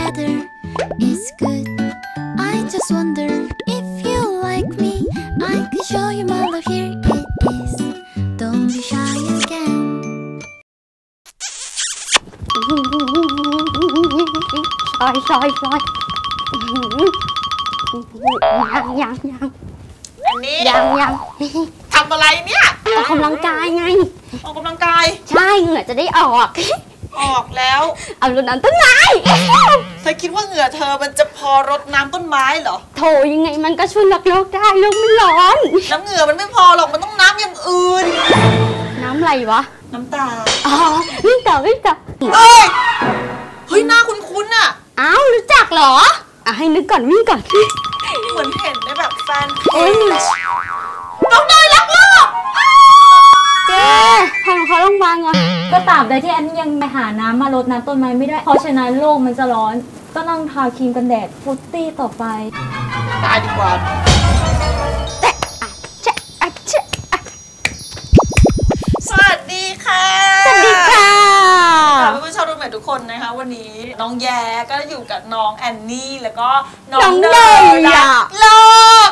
weather is good. I just wonder if you like me. I can show you my love. Here it is. Don't be shy again. ซอยยังอันนี้ยังทำอะไรเนี่ยออกกำลังกายไงออกกำลังกายใช่เหงื่อจะได้ออกแล้วเอารดน้ำต้นไม้เธอคิดว่าเหงื่อเธอมันจะพอรดน้ำต้นไม้เหรอโถยังไงมันก็ช่วยรักโลกได้โลกไม่ร้อนน้ำเหงื่อมันไม่พอหรอกมันต้องน้ำอย่างอื่นน้ำอะไรวะน้ำตาอ๋อวิ่งต่อเฮ้ยหน้าคุ้นๆอ่ะอ้าวรู้จักเหรอให้นึกก่อนวิ่งก่อนเหมือนเห็นในแบบแฟนเพจน้องเนยรักโลกเจ๊พาเขาโรงพยาบาลก่อนก็ตราบใดที่อันนี้ยังไปหาน้ำมารดน้ำต้นไม้ไม่ได้เพราะฉะนั้นโลกมันจะร้อนก็ต้องทาครีมกันแดดฟุตตี้ต่อไปตายดีกว่าสวัสดีค่ะสวัสดีค่ะเพื่อนๆชาวรูมเมททุกคนนะคะวันนี้น้องแย่ก็อยู่กับน้องแอนนี่แล้วก็น้องเนยรักโลก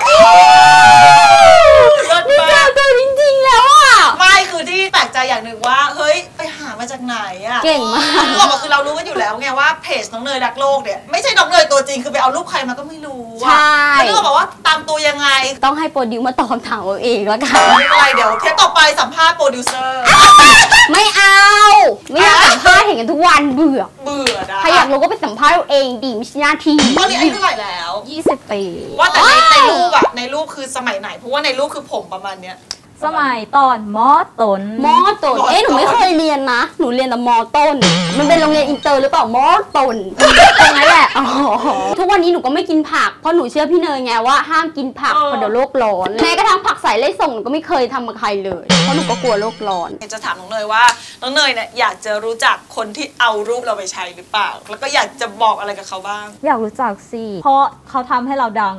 นี่เจอตัวจริงๆแล้วอ่ะไม่คือที่แปลกใจอย่างหนึ่งว่าเฮ้ยไปหามาจากไหนอ่ะเก่งมากคือเรารู้กันอยู่แล้วไงว่าเพจน้องเนยรักโลกเนี่ยไม่ใช่น้องเนยตัวจริงคือไปเอารูปใครมาก็ไม่รู้ใช่แล้วก็บอกว่าตามตัวยังไงต้องให้โปรดิวมาตอบคำถามเอาเองแล้วกันไม่เป็นไรเดี๋ยวเทปต่อไปสัมภาษณ์โปรดิวเซอร์ไม่เอาไม่อยากสัมภาษณ์เห็นกันทุกวันเบื่อนะใครอยากรู้ก็ไปสัมภาษณ์เองดีไม่ใช่หน้าที่ตอนนี้อายุเท่าไหร่แล้ว 20 ปีว่าแต่ในรูปอะในรูปคือสมัยไหนเพราะว่าในรูปคือผมประมาณเนี้ยสมัยตอนม.ต้นหนูไม่เคยเรียนนะหนูเรียนแต่ม.ต้นมันเป็นโรงเรียนอินเตอร์หรือเปล่าม.ต้นตรงนั้นแหละทุกวันนี้หนูก็ไม่กินผักเพราะหนูเชื่อพี่เนยไงว่าห้ามกินผักเพราะเดี๋ยวโลกร้อนแม้กระทั่งผักใส่ไล่ส่งหนูก็ไม่เคยทำกับใครเลยเพราะหนูก็กลัวโลกร้อนจะถามน้องเนยว่าน้องเนยเนี่ยอยากจะรู้จักคนที่เอารูปเราไปใช้หรือเปล่าแล้วก็อยากจะบอกอะไรกับเขาบ้างอยากรู้จักสิเพราะเขาทำให้เราดัง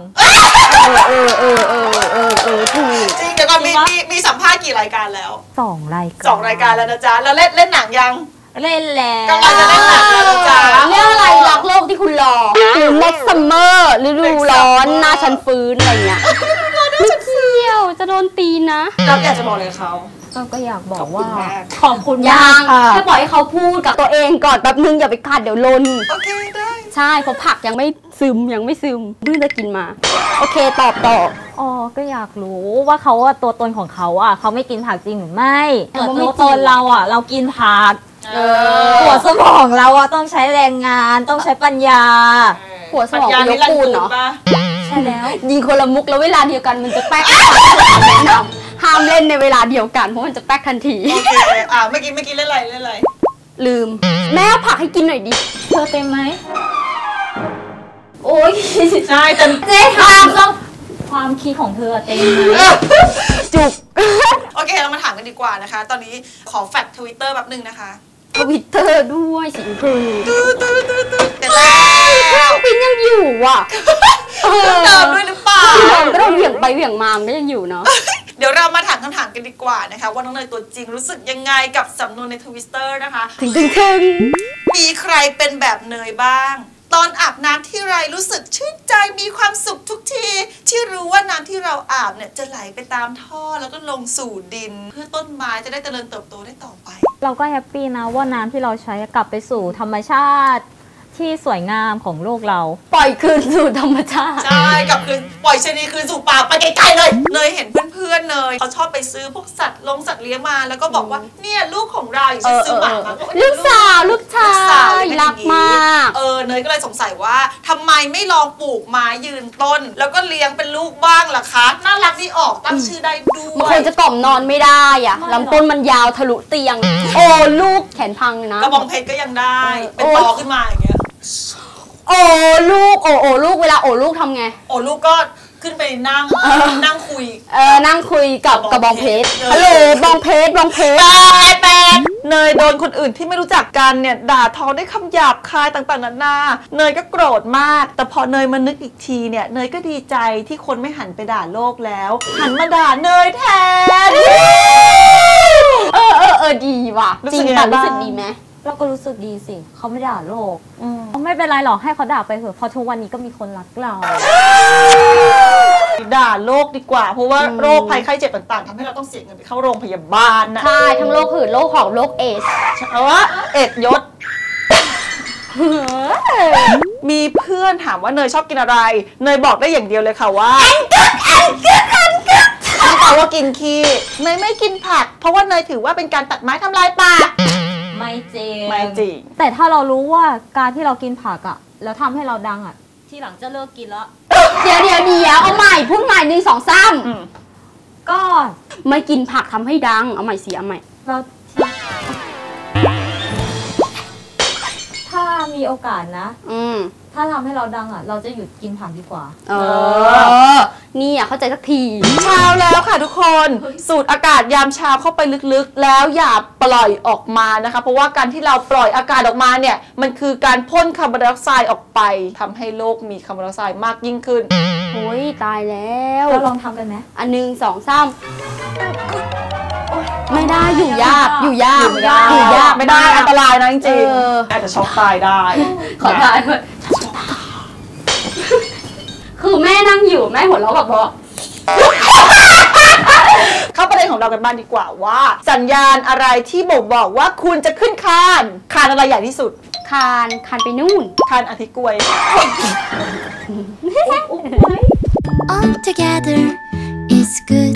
ถูกจริงเดี๋ยวก่อนมีสัมภาษณ์กี่รายการแล้ว 2 รายการแล้วนะจ๊ะแล้วเล่นหนังยังเล่นแล้วกำลังจะเล่นหนังแล้วนะจ๊ะเรื่องอะไรรักโลกที่คุณรอหรือ next summer ฤดูร้อนหน้าฉันฟื้นอะไรเงี้ยไม่เกี่ยวจะโดนตีนะเราอยากจะบอกอะไรเขาก็อยากบอกว่าขอบคุณมากค่ะแค่ปล่อยให้เขาพูดกับตัวเองก่อนแป๊บนึงอย่าไปขัดเดี๋ยวลนโอเคได้ใช่เพราะผักยังไม่ซึมเพิ่งจะกินมาโอเคตอบก็อยากรู้ว่าเขาตัวตนของเขาเขาไม่กินผักจริงหรือไม่ตัวตนเราเรากินผักหัวสมองเราต้องใช้แรงงานต้องใช้ปัญญาหัวสมองยกปูนเนาะใช่แล้วยิงคนละมุกแล้วเวลาเดียวกันมันจะแป๊กห้ามเล่นในเวลาเดียวกันเพราะมันจะแป๊กทันทีโอเคเมื่อกี้เล่นอะไรลืมแม่ผักให้กินหน่อยดิเธอเต็มไหมโอ้ยใช่เต็มเจ๊ทำความคิดของเธอเต็มไหมจุกโอเคเรามาถามกันดีกว่านะคะตอนนี้ขอแฟกทวิตเตอร์แบบนึงนะคะทวิตเตอร์ด้วยสิคือเดี๋ยวแล้วปินยังอยู่เดิมด้วยหรือเปล่าก็ต้องเหวี่ยงไปเหวี่ยงมาก็ยังอยู่เนาะเดี๋ยวเรามาถามคำถามกันดีกว่านะคะว่าน้องเนยตัวจริงรู้สึกยังไงกับสำนวนในทวิตเตอร์นะคะถึงมีใครเป็นแบบเนยบ้างตอนอาบน้ำที่ไรรู้สึกชื่นใจมีความสุขทุกทีที่รู้ว่าน้ำที่เราอาบเนี่ยจะไหลไปตามท่อแล้วก็ลงสู่ดินเพื่อต้นไม้จะได้เจริญเติบโตได้ต่อไปเราก็แฮปปี้นะว่าน้ำที่เราใช้กลับไปสู่ธรรมชาติที่สวยงามของโลกเราปล่อยคืนสู่ธรรมชาติใช่กลับคืนปล่อยชนีคืนสู่ป่าไปไกลๆเลยเนยเห็นเพื่อนๆเนยเขาชอบไปซื้อพวกสัตว์เลี้ยงมาแล้วก็บอกว่าเนี่ยลูกของเราอย่างเช่นซื้อหมามาลูกสาวรักมากเนยก็เลยสงสัยว่าทำไมไม่ลองปลูกไม้ยืนต้นแล้วก็เลี้ยงเป็นลูกบ้างล่ะคะน่ารักดีออกตั้งชื่อได้ด้วยบางคนจะกล่อมนอนไม่ได้ลำต้นมันยาวทะลุเตียงลูกแขนพังนะกระบองเพชรก็ยังได้เป็นตอขึ้นมาอย่างเงี้ยลูกลูกเวลาลูกทำไงลูกก็ขึ้นไปนั่งคุยนั่งคุยกับกระบองเพชรฮัลโหลบองเพชรแปดเนยโดนคนอื่นที่ไม่รู้จักกันเนี่ยด่าทอด้วยคำหยาบคายต่างๆนานาเนยก็โกรธมากแต่พอเนยมานึกอีกทีเนี่ยเนยก็ดีใจที่คนไม่หันไปด่าโลกแล้วหันมาด่าเนยแทนดีว่ะจริงรู้สึกดีไหมเราก็รู้สึกดีสิเขาไม่ด่าโลกไม่เป็นไรหรอกให้เขาด่าไปเถอะเพราะทุกวันนี้ก็มีคนรักเราด่าโรคดีกว่าเพราะว่าโรคภัยไข้เจ็บต่างๆทำให้เราต้องเสียเงินไปเข้าโรงพยาบาลนะใช่ทั้งโรคหืดโรคหอบโรคเอชเอาวะเอ็ดยศมีเพื่อนถามว่าเนยชอบกินอะไรเนยบอกได้อย่างเดียวเลยค่ะว่าไม่ใช่ว่ากินขี้เนยไม่กินผักเพราะว่าเนยถือว่าเป็นการตัดไม้ทำลายป่าไม่จริงไม่จริงแต่ถ้าเรารู้ว่าการที่เรากินผักอะแล้วทำให้เราดังอะทีหลังจะเลิกกินแล้วเดี๋ยวเอาใหม่พูดใหม่1 2 3 ก็ไม่กินผักทำให้ดังเอาใหม่สิเอาใหม่เราถ้ามีโอกาสนะถ้าทำให้เราดังอ่ะเราจะหยุดกินผักดีกว่านี่อ่ะเข้าใจสักทีเช้าแล้วค่ะทุกคนสูดอากาศยามเช้าเข้าไปลึกๆแล้วอย่าปล่อยออกมานะคะเพราะว่าการที่เราปล่อยอากาศออกมาเนี่ยมันคือการพ่นคาร์บอนไดออกไซด์ออกไปทำให้โลกมีคาร์บอนไดออกไซด์มากยิ่งขึ้นโอ้ยตายแล้วเราลองทำกันไหม 1 2 3ไม่ได้อยู่ยากไม่ได้อันตรายนะจริงๆอาจจะช็อกตายได้ขอตายด้วยคือแม่นั่งอยู่แม่หัวเราะแบบว่าเข้าประเด็นของเรากันบ้างดีกว่าว่าสัญญาณอะไรที่บ่งบอกว่าคุณจะขึ้นคานอะไรใหญ่ที่สุดคานไปนู่นคานอาทิตย์กล้วย All together is good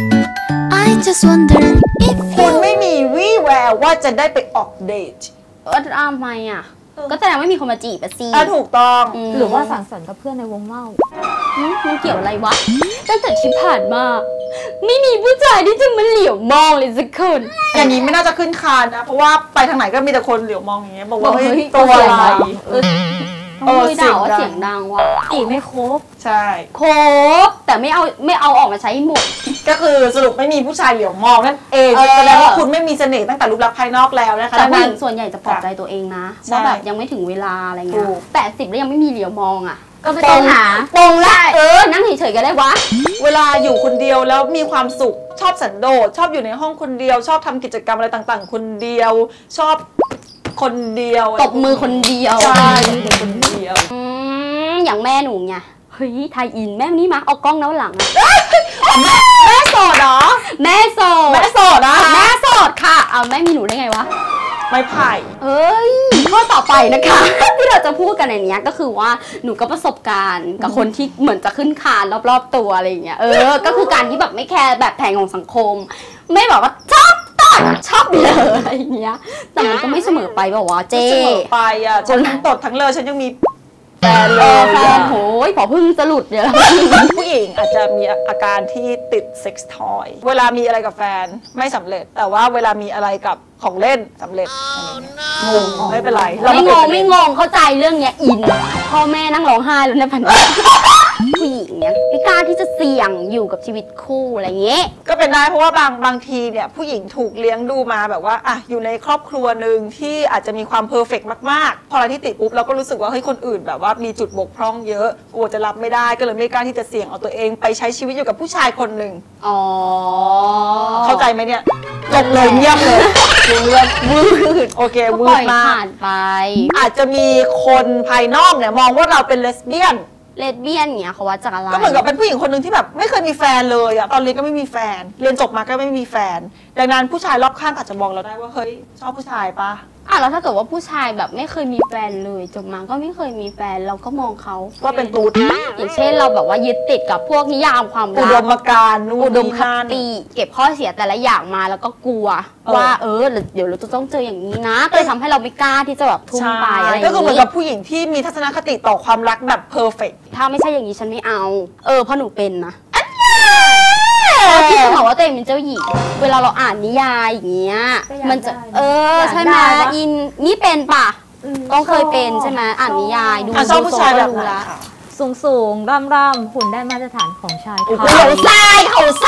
I just wonder if คุณไม่มีวี่แววว่าจะได้ไปออกเดททำไมอ่ะก็แสดงว่ามีคนมาจีบอะสิถูกต้องหรือว่าสังสรรค์กับเพื่อนในวงเล่ามันเกี่ยวอะไรวะตั้งแต่ที่ผ่านมาไม่มีผู้ชายที่จะมาเหลียวมองเลยสักคนอย่างนี้ไม่น่าจะขึ้นคานนะเพราะว่าไปทางไหนก็มีแต่คนเหลียวมองอย่างเงี้ยบอกว่าเฮ้ยตัวอะไรเสียงดังว่ะจีบไม่ครบใช่ครบแต่ไม่เอาออกมาใช้หมดก็คือสรุปไม่มีผู้ชายเหลียวมองนั่นเองแสดงว่าคุณไม่มีเสน่ห์ตั้งแต่รูปลักษณ์ภายนอกแล้วนะคะแต่ผู้หญิงส่วนใหญ่จะปลอบใจตัวเองนะว่าแบบยังไม่ถึงเวลาอะไรเงี้ย80แล้วยังไม่มีเหลียวมองอ่ะก็ไม่ต้องหาตรงละนั่งเฉยๆก็ได้วะเวลาอยู่คนเดียวแล้วมีความสุขชอบสันโดษชอบอยู่ในห้องคนเดียวชอบทำกิจกรรมอะไรต่างๆคนเดียวชอบคนเดียวตบมือคนเดียวใช่คนเดียวอย่างแม่หนูไงเฮ้ยไทยอินแม่นี่มาเอากล้องแล้วหลังแม่โสดเหรอแม่โสดนะแม่โสดค่ะเอาแม่มีหนูได้ไงวะไม่ไผ่ข้อต่อไปนะคะที่เราจะพูดกันในนี้ก็คือว่าหนูก็ประสบการณ์กับคนที่เหมือนจะขึ้นคานรอบๆตัวอะไรอย่างเงี้ยก็คือการที่แบบไม่แคร์แบบแผงของสังคมไม่บอกว่าชอบเลยอะไรอย่างเงี้ยแต่มันก็ไม่เสมอไปบอกว่าเจ๊เสมอไปอ่ะฉันทั้งตดทั้งเลอฉันยังมีแฟนโหยพอพึ่งจะหลุดเนี่ยผู้หญิงอาจจะมีอาการที่ติดเซ็กส์ทอยเวลามีอะไรกับแฟนไม่สำเร็จแต่ว่าเวลามีอะไรกับของเล่นสำเร็จงงไม่เป็นไรไม่งงเข้าใจเรื่องเนี้ยอินพ่อแม่นั่งร้องไห้แล้วในพันผู้หญิงเนี่ยไม่กล้าที่จะเสี่ยงอยู่กับชีวิตคู่อะไรเงี้ยก็เป็นได้เพราะว่าบางทีเนี่ยผู้หญิงถูกเลี้ยงดูมาแบบว่าอ่ะอยู่ในครอบครัวหนึ่งที่อาจจะมีความเพอร์เฟกต์มากๆพอเราที่ติดปุ๊บเราก็รู้สึกว่าเฮ้ยคนอื่นแบบว่ามีจุดบกพร่องเยอะกลัวจะรับไม่ได้ก็เลยไม่กล้าที่จะเสี่ยงเอาตัวเองไปใช้ชีวิตอยู่กับผู้ชายคนหนึ่งเข้าใจไหมเนี่ยจบเลยเงียบเลยวืดโอเควืดมากผ่านไปอาจจะมีคนภายนอกเนี่ยมองว่าเราเป็นเลสเบี้ยนเนี่ยเขาว่าจากอะไรก็เหมือนกับเป็นผู้หญิงคนหนึ่งที่แบบไม่เคยมีแฟนเลยอะตอนเรียนก็ไม่มีแฟนเรียนจบมาก็ไม่มีแฟนดังนั้นผู้ชายรอบข้างอาจจะมองเราได้ว่าเฮ้ยชอบผู้ชายปะแล้วถ้าเกิดว่าผู้ชายแบบไม่เคยมีแฟนเลยจบมาก็ไม่เคยมีแฟนเราก็มองเขาว่าเป็นตูดอย่างเช่นเราแบบว่ายึดติดกับพวกนิยามความรักอุดมการณ์อุดมคติเก็บข้อเสียแต่ละอย่างมาแล้วก็กลัวว่าเดี๋ยวเราจะต้องเจออย่างนี้นะก็เลยทำให้เราไม่กล้าที่จะแบบทุ่มไปอะไรอย่างนี้ก็คือเหมือนกับผู้หญิงที่มีทัศนคติต่อความรักแบบเพอร์เฟกต์ถ้าไม่ใช่อย่างนี้ฉันไม่เอาเพราะหนูเป็นนะที่จะบอกว่าตัวเองเป็นเจ้าหญิงเวลาเราอ่านนิยายอย่างเงี้ยมันจะใช่ไหมอินนี่เป็นป่ะต้องเคยเป็นใช่ไหมอ่านนิยายดูชอบผู้ชายแบบไหนสูงร่ำหุ่นได้มาตรฐานของชายเขาทราย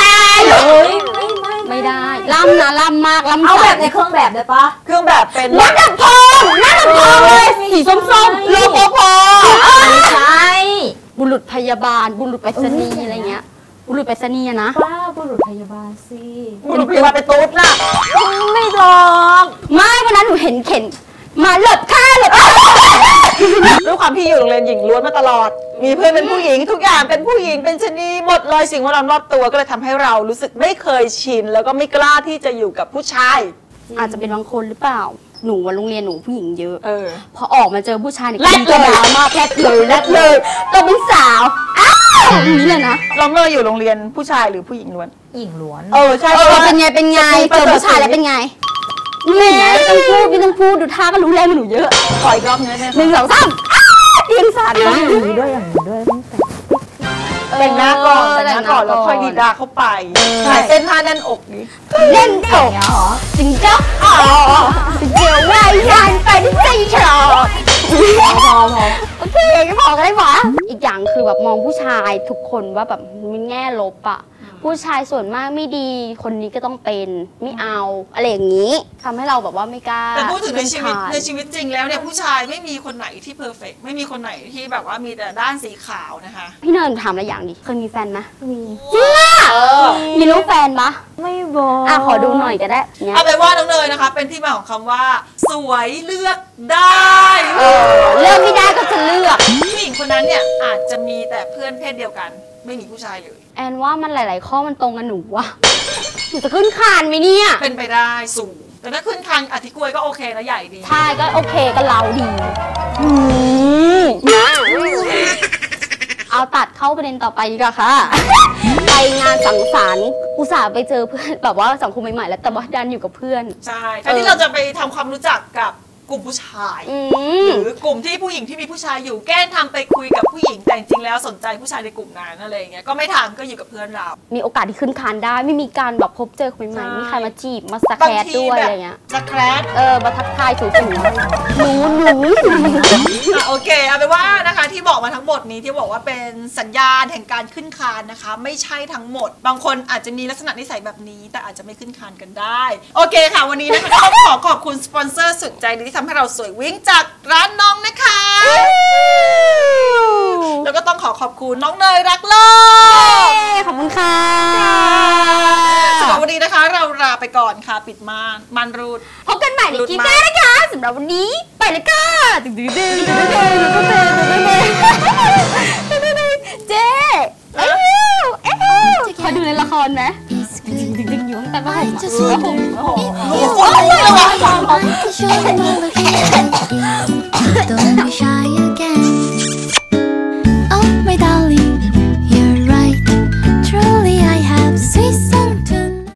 ไม่ได้ล่ำมากล่ำเอาแบบในเครื่องแบบได้ปะเครื่องแบบเป็นนักดับเพลิงเลยสีส้มๆรปภไม่ใช่บุรุษพยาบาลบุรุษไปรษณีย์อะไรเงี้ยบุรุษไปรษณีย์นะป้าบุรุษพยาบาลสิบุรุษพยาบาลเป็นตุ๊ดน่ะไม่หรอกไม่วันนั้นหนูเห็นมาหลบข้าหลบด้วยความที่อยู่โรงเรียนหญิงล้วนมาตลอด มีเพื่อนเป็นผู้หญิงทุกอย่างเป็นผู้หญิงเป็นชนีหมดเลยสิ่งแวดล้อมรอบตัวก็เลยทำให้เรารู้สึกไม่เคยชินแล้วก็ไม่กล้าที่จะอยู่กับผู้ชายอาจจะเป็นบางคนหรือเปล่าหนูว่าโรงเรียนหนูผู้หญิงเยอะ พอออกมาเจอผู้ชายเนี่ยแรดเลยมากแรดเลยตัวเป็นสาวอ้าวอย่างนี้เลยนะเราเมื่ออยู่โรงเรียนผู้ชายหรือผู้หญิงล้วนหญิงล้วนใช่เป็นไงเจอผู้ชายแล้วเป็นไงแหมไม่ต้องพูดดูท่าก็รู้แล้วมันหนูเยอะขออีกรอบนึงได้ไหม 1 2 3เตียงสั่นนะอย่างนี้ด้วยอย่างนี้ด้วยตั้งแต่แต่งหน้าก่อนแล้วค่อยดีดาเข้าไปถ่ายเส้นท่าแน่นอกนี้เล่นตกจิงจ๊อกเดี๋ยวว่ายยานไปที่ใจฉลอดพอโอเคก็พอกันได้ปะอีกอย่างคือแบบมองผู้ชายทุกคนว่าแบบมีแง่ลบอะผู้ชายส่วนมากไม่ดีคนนี้ก็ต้องเป็นไม่เอาอะไรอย่างนี้ทำให้เราแบบว่าไม่กล้าแต่พูดถึงในชีวิตจริงแล้วเนี่ยผู้ชายไม่มีคนไหนที่เพอร์เฟกต์ไม่มีคนไหนที่แบบว่ามีแต่ด้านสีขาวนะคะพี่เนินถามอะไรอย่างดิเคยมีแฟนไหมมีจริงอะมีรูปแฟนปะไม่บอกขอดูหน่อยก็ได้เนี่ยเอาไปนว่าน้องเนยนะคะเป็นที่มาของคำว่า สวยเลือกได้เลือกไม่ได้ก็จะเลือกผู้หญิงคนนั้นเนี่ยอาจจะมีแต่เพื่อนเพศเดียวกันไม่มีผู้ชายเลยแอนว่ามันหลาย ๆ ข้อมันตรงกันหนูว่ะหนูจะขึ้นคานไหมเนี่ยเป็นไปได้สูงแต่ถ้าขึ้นคันอธิกล้วยก็โอเคนะใหญ่ดีใช่ก็โอเคก็เราดีเอาตัดเข้าประเด็นต่อไปดีกว่าค่ะ ไปงานสังสรรค์อุตส่าห์ไปเจอเพื่อนแบบว่าสังคมใหม่ๆแล้วแต่ว่าดันอยู่กับเพื่อนใช่แทนที่เราจะไปทำความรู้จักกับกลุ่มผู้ชาย หรือกลุ่มที่ผู้หญิงที่มีผู้ชายอยู่แกล้งทำไปคุยกับผู้หญิงแต่จริงๆแล้วสนใจผู้ชายในกลุ่มนั้นอะไรอย่างเงี้ยก็ไม่ทำก็อยู่กับเพื่อนเรามีโอกาสที่ขึ้นคานได้ไม่มีการแบบพบเจอคนใหม่ๆมีใครมาจีบมาสแครดด้วยอะไรเงี้ยสแครดมาทักทายสูๆหนูโอเคเอาไปนว่านะคะที่บอกมาทั้งหมดนี้ที่บอกว่าเป็นสัญญาณแห่งการขึ้นคานนะคะไม่ใช่ทั้งหมด บางคนอาจจะมีลักษณะนิสัยแบบนี้แต่อาจจะไม่ขึ้นคานกันได้โอเคค่ะวันนี้นะคะก็ต้องขอบคุณสปอนเซอร์สุดใจดีที่ทำให้เราสวยวิ่งจากร้านน้องนะคะแล้วก็ต้องขอบคุณน้องเนยรักโลกขอบคุณค่ะสำหรับวันนี้นะคะเราลาไปก่อนค่ะปิดม่านรูดพบกันใหม่ในคลิปหน้านะคะสำหรับวันนี้ไปเลยค่ะเจ๊ขอดูในละครไหม It's good. ดึงอยู่ตั้งแต่ว่า I just wonder if you Oh, like me. I could show you my love here. Don't be shy again.